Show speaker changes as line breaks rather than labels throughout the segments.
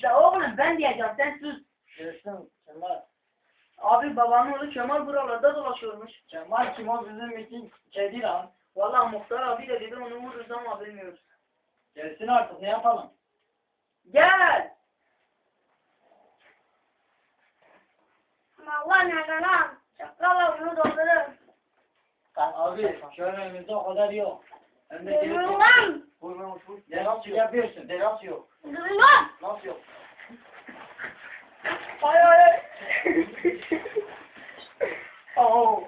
Ya oğlum ben diyeceğim sen sus.
Görsün Kemal.
Abi babanın oğlu Kemal buralarda dolaşıyormuş.
Kemal kim o bizim için kedi lan.
Vallahi muhtar abi de dedi onu vururuz ama bilmiyoruz.
Gelsin artık ne yapalım?
Gel.
Allah nereden lan? Çakala bunu doldurur.
Abi şu an önümüzde o kadar yok. Hem de
Durun lan.
vurmamış vur. Ya nasıl yapıyorsun? De nasıl yok?
Durun lan.
Nasıl yok?
Ay ay ay. Oh.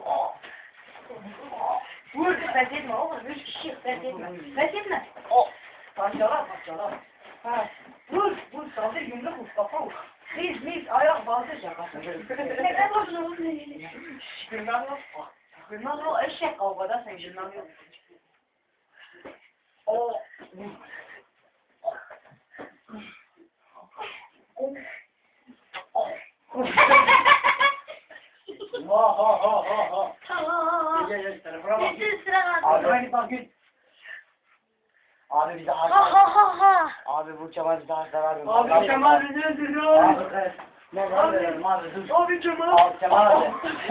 Vur pes etme oğlum 3 kişi pes etme. Pes etme. Oh. Parçala. Ha. Vur saldır yumruk vur kafa vur. Biz ayak bazı şaka.
Ne bozuyorsun?
Gülmem yok. Gülmem yok eşek kavgada sen gülmem yok. Oh.
Ha.
Tamam.
Gel telefona bak.
Getir sıra
Abi
var.
hadi bak git. Abi bize
Ha ha ha ha.
Abi bu Kemal bize hasta vermiyor.
Abi Kemal bizi öldürüyor.
Abi kız. Ne var verelim abi dur.
Abi Kemal.
Abi Kemal abi.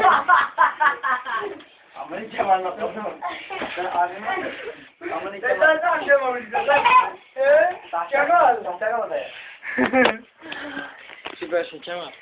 Amına Kemal nasıl olur? Ben abime Amına
Ben
Kemal.
de akşam izledim. Kemal.
Kemal da ya. Süpersin Kemal.